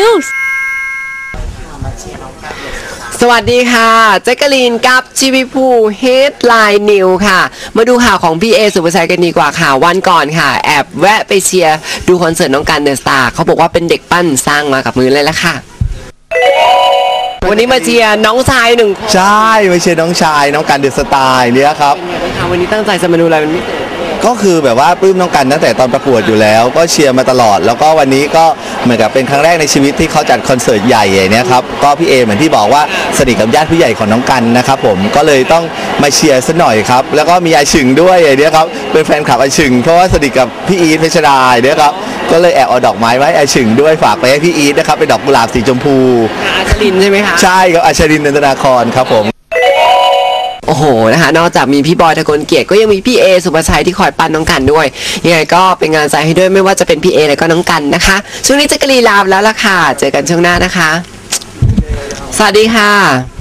News สวัสดีค่ะแจ๊กกะลีนกับชีวิภูเฮดไลน์นิวค่ะมาดูข่าวของพี่เอสุภาชัยกันดีกว่าค่ะวันก่อนค่ะแอบแวะไปเชียร์ดูคอนเสิร์ตน้องกันเดอะสตาร์เขาบอกว่าเป็นเด็กปั้นสร้างมากับมือเลยละค่ะวันนี้มาเชียร์น้องชายหนึ่งใช่มาเชียร์น้องชายน้องกันเดอะสตาร์เนี่ยครับวันนี้ตั้งใจจะมาดูอะไรเป็นพิเศษก็คือแบบว่าปลื้มน้องกันตั้งแต่ตอนประกวดอยู่แล้วก็เชียร์มาตลอดแล้วก็วันนี้ก็เหมือนกับเป็นครั้งแรกในชีวิตที่เขาจัดคอนเสิร์ตใหญ่อย่างนี้ครับก็พี่เอเหมือนที่บอกว่าสนิทกับญาติผู้ใหญ่ของน้องกันนะครับผมก็เลยต้องมาเชียร์ซะหน่อยครับแล้วก็มีอาชึงด้วยอย่างนี้ครับเป็นแฟนคลับอาชึงเพราะว่าสนิทกับพี่อีทเพชรดาเนี่ยครับก็เลยแอบเอาดอกไม้ไว้อาชึงด้วยฝากไปให้พี่อีทนะครับเป็นดอกกุหลาบสีชมพูอาชรินใช่ไหมคะใช่ครับอาชรินนันทนาครครับผมโอ้โหนะคะนอกจากมีพี่บอยทะกลเกียรติก็ยังมีพี่เอสุภาชัยที่คอยปั้นน้องกันด้วยยังไงก็เป็นงานใจให้ด้วยไม่ว่าจะเป็นพี่เอและก็น้องกันนะคะช่วงนี้แจ๊กกะลีนลาแล้วล่ะค่ะเจอกันช่วงหน้านะคะสวัสดีค่ะ